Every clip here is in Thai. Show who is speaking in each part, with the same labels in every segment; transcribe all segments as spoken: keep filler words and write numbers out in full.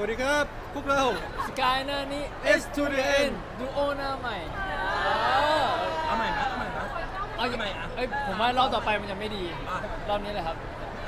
Speaker 1: วัสดีครับพวกเรา
Speaker 2: สกายหน้านี้
Speaker 1: S to the N
Speaker 2: ดูโอหน้าใหม่
Speaker 3: เอาใหม่นะเอาใหม่นะ
Speaker 2: เอาอย่างไรเอ้ยผมว่ารอบต่อไปมันจะไม่ดี รอบนี้เลยครับ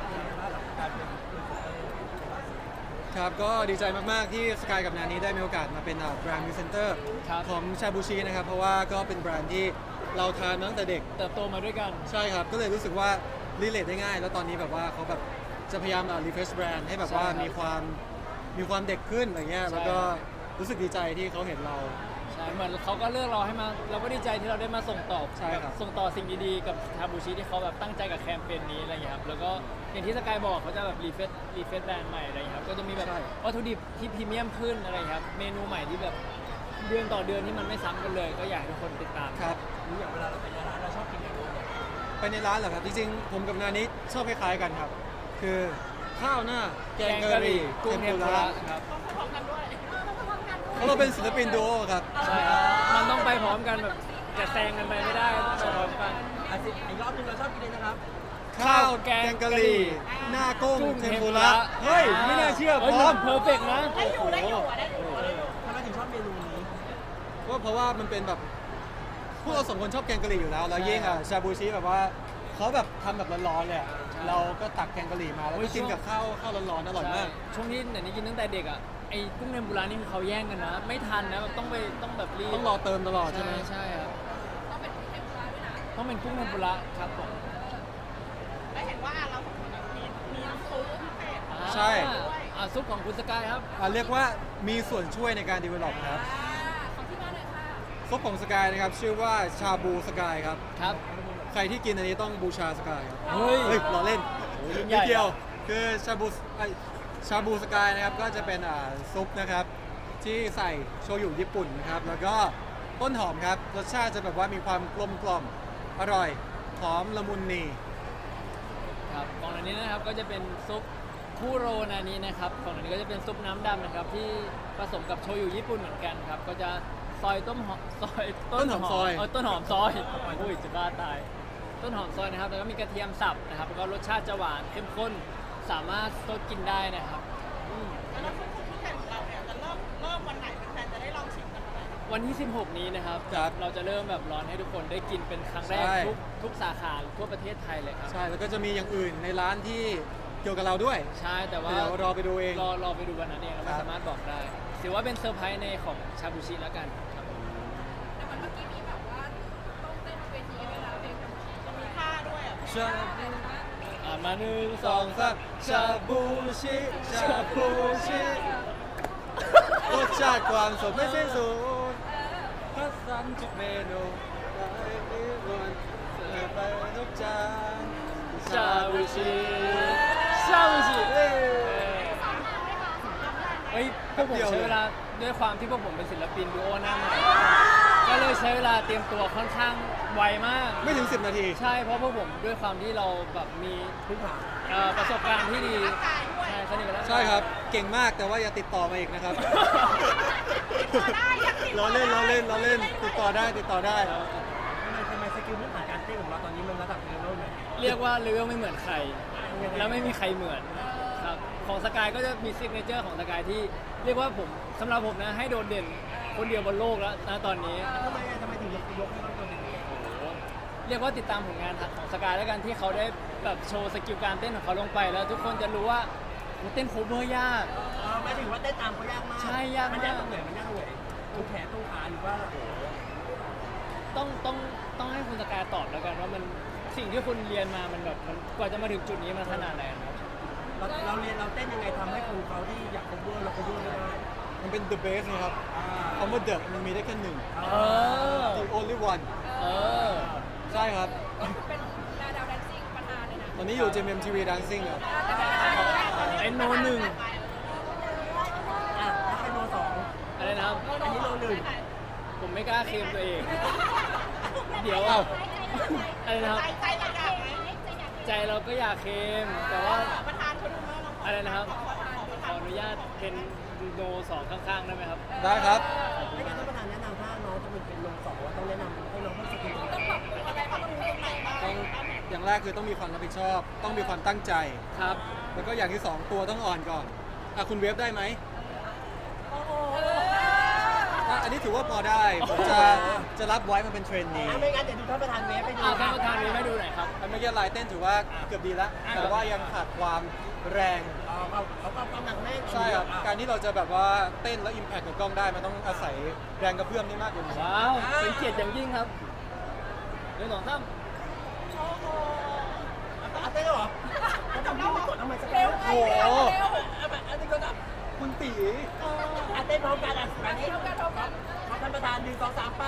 Speaker 1: ครับก็ดีใจมาก ๆ ที่สกายกับนานี้ได้มีโอกาสมาเป็นแบรนด์มิวเซนเตอร์
Speaker 2: ครับ
Speaker 1: ของชาบูชินะครับ เพราะว่าก็เป็นแบรนด์ที่เราทานมาตั้งแต่เด็ก
Speaker 2: เติบโตมาด้วยกัน
Speaker 1: ใช่ครับ ก็เลยรู้สึกว่ารีเลทได้ง่าย แล้วตอนนี้แบบว่าเขาแบบจะพยายามรีเฟรชแบรนด์ให้แบบว่า
Speaker 2: ใช่ครับ
Speaker 1: มีความมีความเด็กขึ้นอะไรเงี้ย
Speaker 2: ใช่
Speaker 1: แล้วก็รู้สึกดีใจที่เขาเห็นเรา
Speaker 2: ใช่เหมือนเขาก็เลือกเราให้มาเราก็ดีใจที่เราได้มาส่งต่อ
Speaker 1: ใช่ครับ
Speaker 2: ส่งต่อสิ่งดีๆกับชาบูชิที่เขาแบบตั้งใจกับแคมเปญนี้อะไรอย่างเงี้ยครับแล้วก็อย่างที่สกายบอกเขาจะแบบรีเฟซรีเฟซแบรนด์ใหม่อะไรอย่างเงี้ยครับก็จะมีแบบวัตถุดิบที่พรีเมียมขึ้นอะไรอย่างเงี้ยครับเมนูใหม่ที่แบบเดือนต่อเดือนที่มันไม่ซ้ำกันเลย ก็อยากให้ทุกคนติดตาม
Speaker 1: ครับ
Speaker 3: นี่อย่างเวลาเราไปร้านเราชอบกินอะไรเนี่ย
Speaker 1: ไปในร้านเหรอครับ จริง ๆ ผมกับนานี้ชอบคล้าย ๆ กันครับ คือข้าวหน้าแกงกะหรี่
Speaker 2: กุ้งเทมปุระครับ
Speaker 1: เพราะเราเป็นศิลปินดูโอครับ
Speaker 2: ใช่ครับมันต้องไปพร้อมกันแบบจะแซงกันไปไม่ได้ต้องไปพร้อมกัน
Speaker 3: อ่ะสิอีกรอบหนึงเราชอบกินเลยนะครับ
Speaker 1: ข้าวแกงกะหรี่หน้ากุ้งเทมปุระเฮ้ย ไม่น่าเชื่อพร้อม
Speaker 2: เพอร์เฟกนะ
Speaker 4: ได้อยู่ได้อยู่อะได้อยู่อะได้อยู่
Speaker 3: ทำไมถึงชอบเมนูนี้
Speaker 1: ก็เพราะว่ามันเป็นแบบพวกเราสองคนชอบแกงกะหรี่อยู่แล้ว แล้วยิ่งอ่ะชาบูชิแบบว่าเขาแบบทำแบบร้อนๆเลยอะเราก็ตักแกงกะหรี่มาแล้วก็กินกับข้าวข้าวร้อนๆอร่อยมาก
Speaker 2: ใช่ช่วงที่ไหนนี่กินตั้งแต่เด็กอ่ะไอ้กุ้งเทมปุระนี่คือเขาแย่งกันนะ ไม่ทันนะแบบต้องไปต้องแบบรีบ
Speaker 1: ต้องรอเติมตลอดใช่
Speaker 2: ใช่
Speaker 1: ไหม
Speaker 2: ใช่ครับ
Speaker 4: ต้องเป็นเทมปุระด้วยนะ
Speaker 2: ต้องเป็นกุ้งเทมปุระครับผม
Speaker 4: ได้เห็นว่าเราสองคนมีมีน้ำซุปพิเศษ
Speaker 2: อ่า
Speaker 1: ใช่
Speaker 2: อ่าซุปของคุณสกายครับ
Speaker 1: อ่ะเรียกว่ามีส่วนช่วยในการดีเวล็อปครับ
Speaker 4: อ่าของที่บ้านเลยค่ะ
Speaker 1: ซุปของสกายนะครับชื่อว่าชาบูสกายครับ
Speaker 2: ครับ
Speaker 1: ใครที่กินอันนี้ต้องบูชาสกายครับ
Speaker 2: เฮ้ย
Speaker 1: เฮ้ยรอเล่น
Speaker 2: โอ้ยยิ่งใหญ่
Speaker 1: นิดเดียวคือชาบูไอ้ชาบูสกายนะครับก็จะเป็นอ่าซุปนะครับที่ใส่โชยุญี่ปุ่นนะครับแล้วก็ต้นหอมครับรสชาติจะแบบว่ามีความกลมกล่อมอร่อยหอมละมุนนี
Speaker 2: ครับของอันนี้นะครับก็จะเป็นซุปคูโรนานี้นะครับของอันนี้ก็จะเป็นซุปน้ำดำนะครับที่ผสมกับโชยุญี่ปุ่นเหมือนกันครับก็จะซอยต้นหอมซอย
Speaker 1: ต้นหอมซอย
Speaker 2: เออต้นหอมซอยอุ้ยจะบ้าตายต้นหอมซอยนะครับแล้วก็มีกระเทียมสับนะครับแล้วก็รสชาติจะหวานเข้มข้นสามารถสดกินได้นะครับอืม
Speaker 4: แล้วน้ำซุปที่แข่งของเราเนี่ยจะเริ่มเริ่มวันไหนแฟนๆจะได้ลองชิมกันวันไหน
Speaker 2: วันที่ สิบหก นี้นะครับ
Speaker 1: ครับ
Speaker 2: เราจะเริ่มแบบร้อนให้ทุกคนได้กินเป็นครั้งแรก
Speaker 1: ใช่
Speaker 2: ทุกทุกสาขาทั่วประเทศไทยเลยครับ
Speaker 1: ใช่แล้วก็จะมีอย่างอื่นในร้านที่เกี่ยวกับเราด้วย
Speaker 2: ใช่แต่ว่า
Speaker 1: เดี๋ยวรอไปดูเอง
Speaker 2: รอรอไปดูวันนั้นเองเรา
Speaker 1: ครั
Speaker 2: ไม่
Speaker 1: บ
Speaker 2: สามารถบอกได้ถือว่าเป็นเซอร์ไพรส์ในของชาบูชิแล้วกันครับผม
Speaker 4: แต่เหมือนเมื่อกี้มีแบบว่าต้องเต้นเวทีด้วยนะเพลงจะมีท่าด้วยอ่ะ
Speaker 1: ชา
Speaker 2: อ่านมาหนึ่งส
Speaker 1: ส
Speaker 2: อ
Speaker 1: อง งสามชาบูชิชาบูชิรสชาติความสดไม่สิ้นสุดคัดสรรทุกเมนูหลายนิรันดร์เสิร์ฟไปทุกจาน
Speaker 2: ชาบูชิชาบูชิเอ้ยเฮ้ยพวกผมใช้เวลาด้วยความที่พวกผมเป็นศิลปินดูโอหน้าใหม่ก็เลยใช้เวลาเตรียมตัวค่อนข้างไวมาก
Speaker 1: ไม่ถึงสิบนาที
Speaker 2: ใช่เพราะพวกผมด้วยความที่เราแบบมี
Speaker 3: พื้นฐาน
Speaker 2: เอ่อประสบการณ์ที่ดีใช่สนิทกันแล้ว
Speaker 1: ใช่ครับ เก่งมากแต่ว่าอย่าติดต่อมาอีกนะครับ
Speaker 4: ติดต่อได้อยากติดต่
Speaker 1: เรา
Speaker 4: อ
Speaker 1: เล่นเราเล่นเราเล่นติดต่อได้ติดต่อได้
Speaker 3: ทำไมทำไมสกิลพื้นฐานการเต้นของเราตอนนี้มันระดับเลเวลไหน
Speaker 2: เรียกว่าเลเวลไม่เหมือนใคร แล้วไม่มีใครเหมือนครับของสกายก็จะมีซิกเนเจอร์ของสกายที่เรียกว่าผมสำหรับผมนะให้โดดเด่นคนเดียวบนโลกแล้วนะตอนนี้
Speaker 3: ทำไมอ่ะทำไมถึงยกยกให้เราตัวเอง
Speaker 2: เรียกว่าติดตามผลงานของสกายแล้วกันที่เขาได้แบบโชว์สกิลการเต้นของเขาลงไปแล้ว ทุกคนจะรู้ว่าโอ้เต้นโคเวอร์ยาก
Speaker 3: อ๋อหมายถึงว่าเต้นตามเขายากมาก
Speaker 2: ใช่ยากมาก
Speaker 3: มันยากตรงไหนมันยากตรงไหนตรงแขนตรงขาหรือว่าโอ้โห
Speaker 2: ต้องต้องต้องให้คุณสกายตอบแล้วกันว่ามันสิ่งที่คุณเรียนมามันแบบมันกว่าจะมาถึงจุดนี้มันขนาดไหนครับ
Speaker 3: เราเราเรียนเราเต้นยังไงทำให้คนเขาที่อยาก cover เรา cover ไม่ได้
Speaker 1: มันเป็น the best นะครับคำว่า the มันมีได้แค่หนึ่ง
Speaker 2: เออ
Speaker 1: the only one
Speaker 2: เออ
Speaker 1: ใช่ครับ
Speaker 4: เป็นดาดาวแดนซิ่งประธานเลยนะ
Speaker 1: ตอนนี้อยู่ เจ เอ็ม ที วี Dancing ครับ
Speaker 2: ไอ้โนหนึ่ง
Speaker 3: อ่ะแล้วใครโนสอง
Speaker 2: อะไรนะครับ
Speaker 3: อันนี้โนหนึ่ง
Speaker 2: ผมไม่กล้าเคลมตัวเอง เดี๋ยว
Speaker 1: เอ้า
Speaker 2: อะไรนะครับ
Speaker 4: ใจใจอยากอยากไหม
Speaker 2: ใจเราก็อยากเคลมแต่ว่า
Speaker 4: ประธานเขาดูไหมเราขอ
Speaker 2: อะไรนะครับ
Speaker 4: ขอประธานประ
Speaker 2: ข
Speaker 4: ธา
Speaker 2: อน อนุญาตเป็นโนสองข้างๆได้ไหมครับ
Speaker 1: ได้ครับ
Speaker 3: ไม่งั้นท่านประธานแนะนำถ้าน้องจะเป็นเป็นโนสองว่าต้องแนะนำให้น้องให้สกิล
Speaker 4: ต้องปรับปรุงอะไรปรับปรุงตรงไหนบ้าง
Speaker 1: ต้องอย่างแรกคือต้องมีความรับผิดชอบ ต้องมีความตั้งใจ
Speaker 2: ครับ
Speaker 1: แล้วก็อย่างที่สองตัวต้องอ่อนก่อนอ่ะคุณเวฟได้ไหมอันนี้ถือว่าพอได้ ผมจะจะรับไว้มาเป็นเทรนนี
Speaker 3: อ่ะไม่งั้นเดี๋ยวดูท่านประธานเวฟไปดู
Speaker 2: อ่าท่านประธานนี้ไม่ดูหน่อยครับ
Speaker 1: อันเมื่อกี้ลายเต้นถือว่าเกือบดีแล้ว แต่ว่ายังขาดความแรง
Speaker 3: อ๋อเขาเขาก็กำลังแน่น
Speaker 1: ใช่ครับ
Speaker 3: อ่ะ
Speaker 1: การที่เราจะแบบว่าเต้นแล้วอิมแพคกับกล้องได้ มันต้องอาศัยแรงกระเพื่อมนี่มากกว่านี้
Speaker 2: ว้าว เป็นเกียรติอย่างยิ่งครับเรื่องสองสาม
Speaker 3: อ่ะเต้นเหรอแล้วทำไมไม่กดทำไมสัก
Speaker 4: เร็ว
Speaker 1: โอ้โห
Speaker 4: เร็วเร็ว
Speaker 3: อ่ะแบบอันนี้ก็ได้
Speaker 1: คุณตี
Speaker 3: อ่ะเต้นพร้อมกันอ่ะอันนี้
Speaker 4: เท่ากันเท่ากัน
Speaker 3: ขอท่านประธานหนึ่งสองสามไป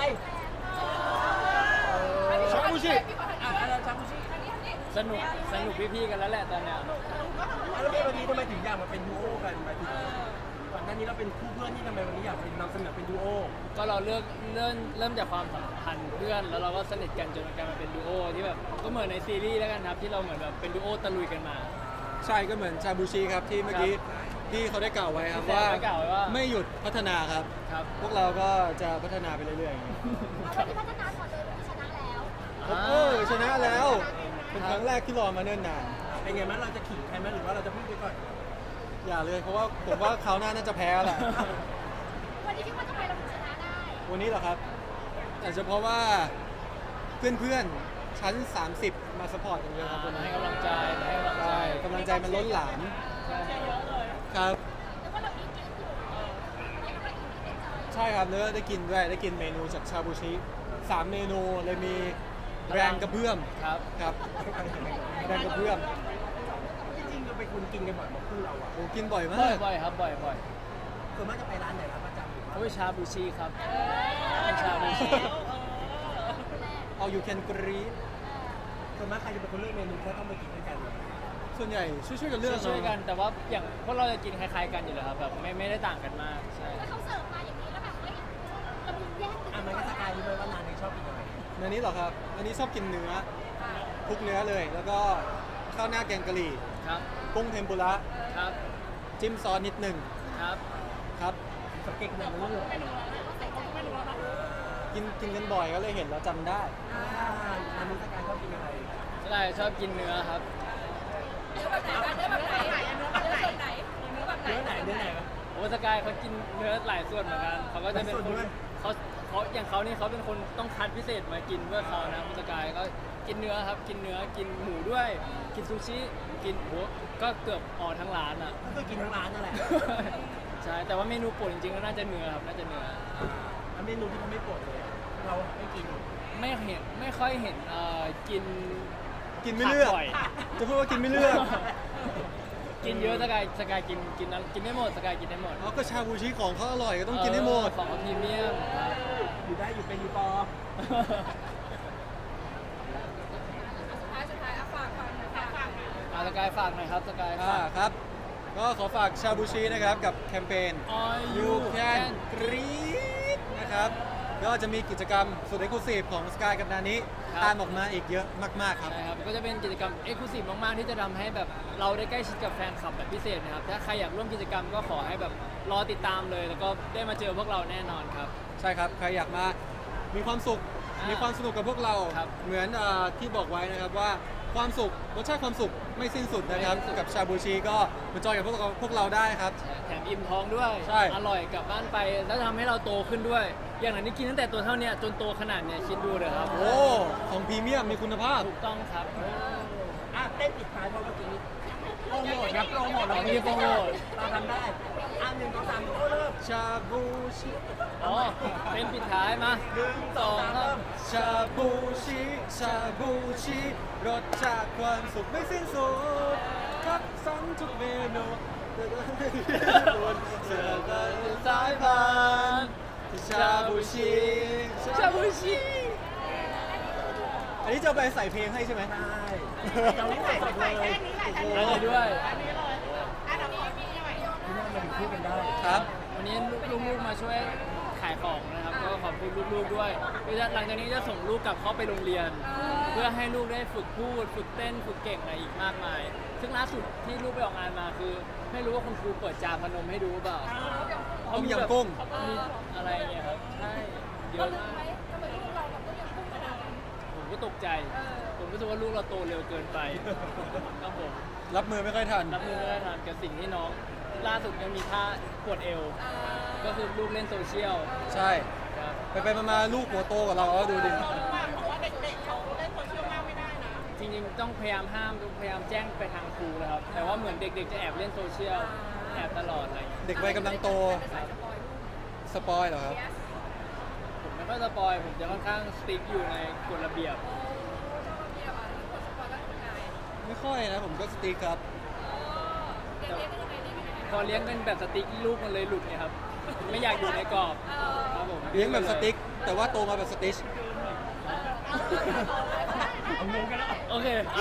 Speaker 1: ชาบูชิ
Speaker 3: อ่ะอะไรชาบูชิ
Speaker 4: อันนี้อันนี้
Speaker 2: สนุก สนุกพี่ๆกันแล้วแหละตอนเนี้ย
Speaker 3: อ่ะแล้ววันนี้ทำไมถึงอยากมาเป็นดูโอกันหมายถึงก่อนหน้านี้เราเป็นคู่เพื่อนที่ทำไมวันนี้อยากเป็นนำเสนอเป็นดูโอ
Speaker 2: ก็เราเลือกเริ่มเริ่มจากความสัมพันธ์เพื่อน แล้วเราก็สนิทกันจนกลายมาเป็นดูโอที่แบบก็เหมือนในซีรีส์แล้วกันครับที่เราเหมือนแบบเป็นดูโอตะลุยกันมา
Speaker 1: ใช่ก็เหมือนชาบูชิครับที่เมื่อกี้ที่เขาได้กล่าวไว้ครับ
Speaker 2: ที่
Speaker 1: ว่า
Speaker 2: ได้กล่าวไว้ว่า
Speaker 1: ไม่หยุดพัฒนาครับ
Speaker 2: ครับ
Speaker 1: พวกเราก็จะพัฒนาไปเรื่อยๆอย่างนี้
Speaker 5: วันนี้พัฒนาก่อนเลยวันนี้ชนะแล้ว
Speaker 1: โอ้ยชนะแล้ว เป็นครั้งแรกที่รอมาเนิ่นนาน
Speaker 3: เป็นไงมั้ยเราจะขิงใครไหมหรือว่าเราจะพูดไปก่อน
Speaker 1: อย่าเลยเพราะว่าผมว่าคราวหน้าน่าจะแพ้แหละ
Speaker 5: วันนี้คิดว่าทำไมเราถึงชนะได้
Speaker 1: วันนี้เหรอครับอาจจะเพราะว่าเพื่อนๆ ชั้น สามสิบ มาสปอร์ตกันเยอะครับวันนี้
Speaker 2: ให้กำลังใจให้กำลังใจ
Speaker 1: ใช่กำลังใจมันล้นหลาม ครับ
Speaker 5: แล้วก็เรามีกินอยู่ไม่ได้กินไม่ได้จอย
Speaker 1: ใช่ครับเนื้อได้กินด้วยได้กินเมนูจากชาบูชิสามเมนูเลยมีแรงกระเพื่อม
Speaker 2: ครับ
Speaker 1: ครับ แรงกระเพื่อม
Speaker 3: จริงๆเราเป็นคนกินกันบ่อยมาคู่เราอ่ะ
Speaker 1: โอ้กินบ่อยมา
Speaker 2: บ่อย
Speaker 1: ก
Speaker 2: บ่อยครับบ่อยบ่อย
Speaker 3: ส่วนมากจะไปร้านไหนครับประจำหรือว่า
Speaker 2: โอ้ยชาบูชิครับเป็นชาบูชิ
Speaker 1: เอาอยู่แคนกรีด
Speaker 3: ส่วนมากใครจะเป็นคนเลือกเมนูที่ต้องไปกินด้วยกัน
Speaker 1: ส่วนใหญ่ช่วยๆกันเลือก
Speaker 2: ช่วยๆกัน
Speaker 1: เอะ
Speaker 2: แต่ว่าอย่างพวกเราจะกินคล้ายๆกันอยู่แล้วครับแบบไม่ไม่ได้ต่างกันมากใช่
Speaker 5: แล้วเขาเสิร์ฟมาอย่างนี้แล้วแบบเฮ้ยเรามีแยกกิน
Speaker 3: อ่ะมันก็สกายรู้ไหมว่านานเนี่ยชอบกินอะไร
Speaker 1: อันนี้เหรอครับ อันนี้ชอบกินเนื้อคลุกเนื้อเลย แล้วก็ข้าวหน้าแกงกะหรี่
Speaker 2: ครับ
Speaker 1: กุ้งเทมปุระ
Speaker 2: ครับ
Speaker 1: จิ้มซอสนิดหนึ่ง
Speaker 2: ครับ
Speaker 1: ครับ
Speaker 3: สเก็ตขนาดนั้นเลย
Speaker 1: กินกินกันบ่อยก็เลยเห็นแล้วจำได้
Speaker 3: อ่าอันนี้สกายชอบกินอะไร
Speaker 2: ใช่ชอบกินเนื้อครับ
Speaker 4: เนื้อแบบไหนบ้างเนื้อแบบไหนเนื้อแบบไหนเนื้อแบบไหน
Speaker 3: เนื้อไหนเนื้อไหนวะ
Speaker 2: โอ้สกายเขากินเนื้อหลายส่วนเหมือนกันเขาก็จะเป็น
Speaker 3: หลายส่
Speaker 2: ค
Speaker 3: วน
Speaker 2: น
Speaker 3: ด้วย
Speaker 2: เขาเขาอย่างเขานี่เขาเป็นคนต้องคัดพิเศษมากินเพื่อเขานะคุณสกายก็กินเนื้อครับกินเนื้อกินหมูด้วย กินซูชิกินโอ้ก็เกือบออทั้งร้านอ่ะ
Speaker 3: ก็คือกินทั้งร้านนั่นแหละ
Speaker 2: ใช่แต่ว่าเมนูโปรดจริงๆก็น่าจะเนื้อครับน่าจะเนื้อ
Speaker 3: อันเมนูที่เขาไม่โปรดเลย เราไม่กิน
Speaker 2: ไม่เห็นไม่ค่อยเห็นเอ่อกิน
Speaker 1: กินไม่เลือก
Speaker 2: ผับ่อย
Speaker 1: จะพูดว่ากินไม่เลือก
Speaker 2: กินเยอะสกายสกายกินกินนั้นกินได้หมดสกายกินได้หมด
Speaker 1: เอาก็ชาบูชิของเขาอร่อยก็ต้องกินให้หมด
Speaker 2: เออของเขาพรีเมียมครับ
Speaker 3: อยู่ได้อยู่เป็นอยู่ปอ
Speaker 4: สุดท้ายสุดท้ายอ่ะฝากฝากหน่อยฝากฝากหน่อย
Speaker 2: อ่ะสกายฝากหน่อยครับสกาย
Speaker 1: อ่า
Speaker 2: ฝาก
Speaker 1: ครับ ก็ขอฝากชาบูชินะครับกับแคมเปญ
Speaker 2: All
Speaker 1: You
Speaker 2: You
Speaker 1: Can
Speaker 2: Can
Speaker 1: Greet นะครับ ก็จะมีกิจกรรมสุดเอ็กซ์คลูซีฟของสกายกับนานี้
Speaker 2: ครับ
Speaker 1: ตามออกมาอีกเยอะมาก ๆ ครับ
Speaker 2: ใช่ครับก็จะเป็นกิจกรรมเอ็กซ์คลูซีฟมาก ๆ ที่จะทำให้แบบเราได้ใกล้ชิดกับแฟนคลับแบบพิเศษนะครับ ถ้าใครอยากร่วมกิจกรรมก็ขอให้แบบรอติดตามเลย แล้วก็ได้มาเจอพวกเราแน่นอนครับ
Speaker 1: ใช่ครับ ใครอยากมามีความสุข
Speaker 2: อ่ามี
Speaker 1: มีความสนุกกับพวกเรา
Speaker 2: ครับ
Speaker 1: เหมือนเอ่อที่บอกไว้นะครับว่าความสุข รสชาติความสุขไม่สิ้นสุดนะครับ
Speaker 2: ไม่สิ้นสุด
Speaker 1: กับชาบูชิก็มาจอยกับพวกเราพวกเราได้ครับ
Speaker 2: แถมอิ่มท้องด้วย
Speaker 1: ใช่
Speaker 2: อร่อยกลับบ้านไป แล้วทำให้เราโตขึ้นด้วย อย่างนั้นนี่กินตั้งแต่ตัวเท่าเนี้ยจนโตขนาดเนี้ยคิดดูเลยครับ
Speaker 1: โอ้ ของพรีเมียมมีคุณภาพ
Speaker 2: ถูกต้องครับ
Speaker 3: อ่ะเต้นปิดท้ายเพราะเมื่อกี้โปรโมทครับโปรโมทเรา
Speaker 2: มีโปรโมท
Speaker 3: เราทำได้อ่ะหนึ่งสองสามโอ้เริ่ม
Speaker 1: ชาบูชิ
Speaker 2: อ๋อเป็นปิดท้ายมา
Speaker 3: หนึ่งสองสามเริ่ม
Speaker 1: ชาบูชิชาบูชิรสชาติความสุขไม่สิ้นสุดคัดสรรทุกเมนูบนเสือกันสายพานชาบูชิ
Speaker 2: ชาบูชิ
Speaker 1: อันนี้จะเอาไปใส่เพลงให้ใช่ไหม
Speaker 3: ใช่เราไม่ใส่หมดเลย
Speaker 4: แค่นี้แหละแค่นี้
Speaker 2: อะไรด้วย
Speaker 4: อันนี้เลยอ่ะเดี๋ยวมีมีหน่อย
Speaker 3: ที่นั่นมาถึงคู่กันได้
Speaker 1: ครับ
Speaker 2: วันนี้ลูกๆมาช่วยขายของนะครับ ก็ขอบคุณลูกๆด้วยคือหลังจากนี้จะส่งลูกกลับเข้าไปโรงเรียน เพื่อให้ลูกได้ฝึกพูด ฝึกเต้น ฝึกเก่งอะไรอีกมากมาย ซึ่งล่าสุดที่ลูกไปออกงานมาคือ ไม่รู้ว่าคุณครูเปิดจาพนมให้ดูหรือเปล่า
Speaker 1: ต้มยำกุ้ง
Speaker 2: มีอะไรเงี้ยครับ ใช่ เย
Speaker 4: เรา
Speaker 2: อะ
Speaker 4: ลืม
Speaker 2: มาก
Speaker 4: ไหมทำไมลูกเราแบบต้องยังพุ่งขนาดนั้น
Speaker 2: ผมก็ตกใจ
Speaker 4: เออ
Speaker 2: ผมรู้สึกว่าลูกเราโตเร็วเกินไปครับผม
Speaker 1: รับมือไม่ค่อยทัน
Speaker 2: รับมือไม่ได้ทันกับสิ่งที่น้อง ล่าสุดยังมีท่าปวดเอว
Speaker 4: อ่า
Speaker 2: ก็คือลูกเล่นโซเชียล
Speaker 1: ใช่
Speaker 2: ครับ
Speaker 1: ไปไปๆมาๆลูกหัวโตกว่าเราเอาดูดิ
Speaker 4: มากเพราะว่าเด็กๆเขาเล่นโซเชียลมากไม่ได้นะ
Speaker 2: จริงๆต้องพยายามห้ามพยายามแจ้งไปทางครูนะครับ แต่ว่าเหมือนเด็กๆจะแอบเล่นโซเชียลแอบตลอดอะไรอย่างเงี้ย
Speaker 1: เด็กวัยกำลังโต
Speaker 4: เป็นสายสปอยลูก
Speaker 1: สปอยเหรอครับ
Speaker 2: ผมไม่ค่อยสปอยผมจะค่อนข้างสติ๊กอยู่ในกฎระเบียบ
Speaker 4: โอ้เยี่ยมอ่ะที่คนสปอยก็ทำงาน
Speaker 1: ไม่ค่อยนะผมก็สติ๊กครับ
Speaker 4: เลี้ยงเลี้ยงกันยังไงเลี้ยงกันยังไง
Speaker 2: พอเลี้ยงเป็นแบบสติ๊กลูกมันเลยหลุดเนี่ยครับ ไม่อยากอยู่ในกรอบครับผม
Speaker 1: เลี้ยงแบบสติ๊ก แต่ว่าโตมาแบบสติช
Speaker 3: เอางงกันแล้ว
Speaker 2: โอเค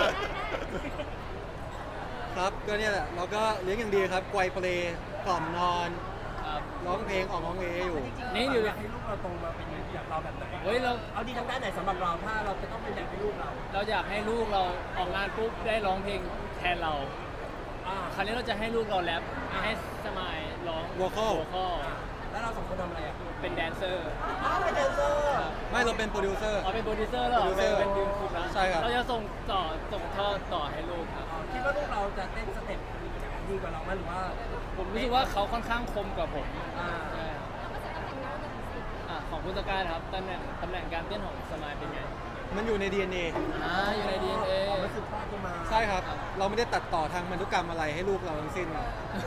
Speaker 1: ครับก็เนี่ยแหละเราก็เลี้ยงอย่างดีครับไกวเปลกล่อมนอน
Speaker 2: ครับ
Speaker 1: ร้องเพลงออกร้องเออยู่
Speaker 2: นี่อยู่
Speaker 3: อยากให้ลูกเราโตมาเป็นอย่างเราแบบไหน
Speaker 2: เฮ้ยเรา
Speaker 3: เอาดีทางด้านไหนสำหรับเราถ้าเราจะต้องเป็นแบบให้ลูกเรา
Speaker 2: เราอยากให้ลูกเราออกงานปุ๊บได้ร้องเพลงแทนเรา
Speaker 3: อ่า
Speaker 2: คราวนี้เราจะให้ลูกเราแรปให้สมายร้อง
Speaker 1: Vocal
Speaker 2: โวคอล
Speaker 3: แล้วเราสองคนทำอะไรอ่ะ
Speaker 2: เป็นแดนเซอร์
Speaker 3: อ้าวเป็นแดนเซอร์
Speaker 1: ไม่เราเป็นโปรดิวเซอร์
Speaker 2: อ๋อเป็นโปรดิวเซอร์แล้วเหรอ
Speaker 1: Producer
Speaker 2: เป็นดึงคุณนะ
Speaker 1: ใช่ครับ
Speaker 2: เราจะส่งต่อส่งทอดต่อให้ลูกครับ
Speaker 3: คิดว่าลูกเราจะเต้นสเต็ปดีกว่าเราไหมหรือว่า
Speaker 2: ผมรู้สึกว่าเขาค่อนข้างคมกว่าผม
Speaker 3: อ่า
Speaker 2: ใช่ครับอ่ะของคุณสกายนะครับตำแหน่งตำแหน่งการเต้นของสมายเป็นไง
Speaker 1: มันอยู่ใน ดี เอ็น เอ
Speaker 2: อ่าอยู่ใน ดี เอ็น เอ
Speaker 3: มันสืบทอดกันมา
Speaker 1: ใช่ครับ เราไม่ได้ตัดต่อทางพันธุกรรมอะไรให้ลูกเราทั้งสิ้นครับ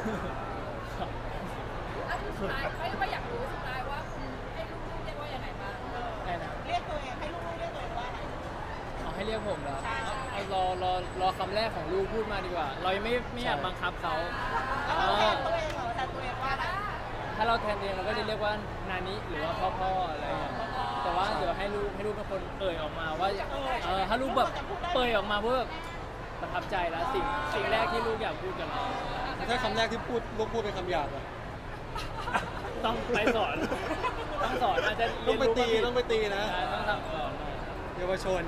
Speaker 4: อ่ะสุดท้ายไม่ว่าอยากรู้สุดท้ายว่าคุณให้ลูกๆเรียกว่ายังไงบ้าง
Speaker 2: ได้นะ
Speaker 4: เรียกตัวเองให้ลูกๆเรียกตัวเองว่าอะไร
Speaker 2: เอาให้เรียกผมเหรอ
Speaker 4: ใช่ใช่
Speaker 2: เอารอรอรอคำแรกของลูกพูดมาดีกว่า เรายังไม่ไม่อยากบังคับเขา
Speaker 4: แล้ว
Speaker 2: เอ
Speaker 4: เราแท
Speaker 2: อน
Speaker 4: ตัวเองเหรอแทนตัวเองว่าอะไร
Speaker 2: ถ้าเราแทนเองเราก็จะเรียกว่านานิหรือว่าพ่อพ่ออะไรอย่างเงี้ยแต่ว่าเดี๋ยวให้ลูกให้ลูกเป็นคนเอ่ยออกมาว่าอยากเออถ้าลูกแบบเปิดออกมาเพื่อแบบประทับใจแล้วสิ่งสิ่งแรกที่ลูกอยากพูดกับเรา
Speaker 1: ถ้าคำแรกที่พูดลูกพูดเป็นคำหยาบอะ
Speaker 2: ต้องไปสอนต้องสอนอาจจะ
Speaker 1: ต้องไปตีต้องไปตีนะ
Speaker 2: ใช่ต้องทำก่อน
Speaker 1: เยาวชน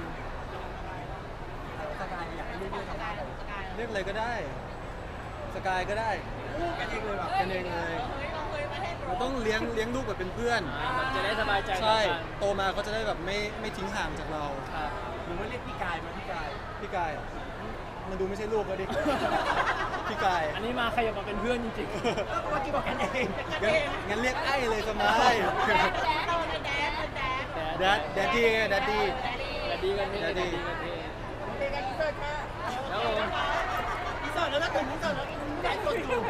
Speaker 3: สกายอยากให้ลูกเล่นทำอะไร
Speaker 1: เรียกอะไรก็ได้ สกายก็ได้
Speaker 3: กันเองเลยแบบ
Speaker 1: กันเองเลย
Speaker 4: เฮ้ยเราเคยมาให้
Speaker 1: เราต้องเลี้ยงเลี้ยงลูกแบบเป็นเพื่อน
Speaker 2: อ่าแบบจะได้สบายใจต่อ
Speaker 1: ใช่
Speaker 2: กัน
Speaker 1: โตมาเขาจะได้แบบไม่ไม่ทิ้งห่างจากเรา
Speaker 2: ครับ
Speaker 3: หรือว่าเรียกพี่กายมาพี่กาย
Speaker 1: พี่กายอะมันดูไม่ใช่ลูกก็ดิ พี่กาย
Speaker 2: อันนี้มาใครอยากมาเป็นเพื่อนจริง
Speaker 3: ก็เมื่อกี้บอกกันเอง
Speaker 1: งั้นงั้นเรียกไอ้เลยสมาย
Speaker 4: แดดแดดเราเป็นแดดเป็นแดด
Speaker 2: ๆ
Speaker 1: แดดแดดดี้แดดดี้
Speaker 4: แดดดี
Speaker 2: แดดดีกันเท่
Speaker 1: แดดดี้
Speaker 2: แดดดีกันเท่
Speaker 3: เป็นการอินเสิร์ตค่ะ
Speaker 2: แล้วผม
Speaker 3: อินเสิร์ตแล้วนะตื่นอินเสิร์ตแล้วใจกดอยู่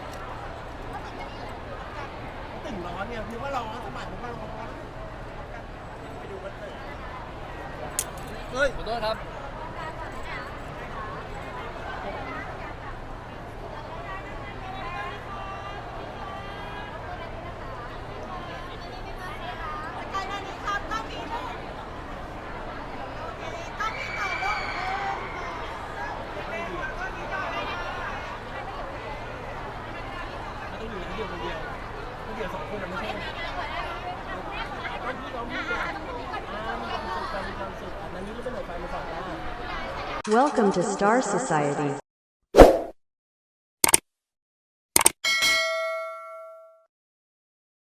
Speaker 3: ตื่นร้อนเนี่ยคือว่าร้อนสมัยผมว่าร้อนไปดูวันเกิด
Speaker 1: เฮ้ย
Speaker 2: ขอโทษครับ
Speaker 4: สกายนานี้ครับต้องมีลูกต้องมีต่อลูก
Speaker 3: มันต้องอยู่คนเดียวคนเดียวคนเดียวสองคนมันไม่ใช่ต้องพี่น้องพี่กันอ่ามีความสุขกันมีความสุขอันนั้นนี่ไม่เป็นไรไฟมาสองได้
Speaker 6: Welcome to Star Society.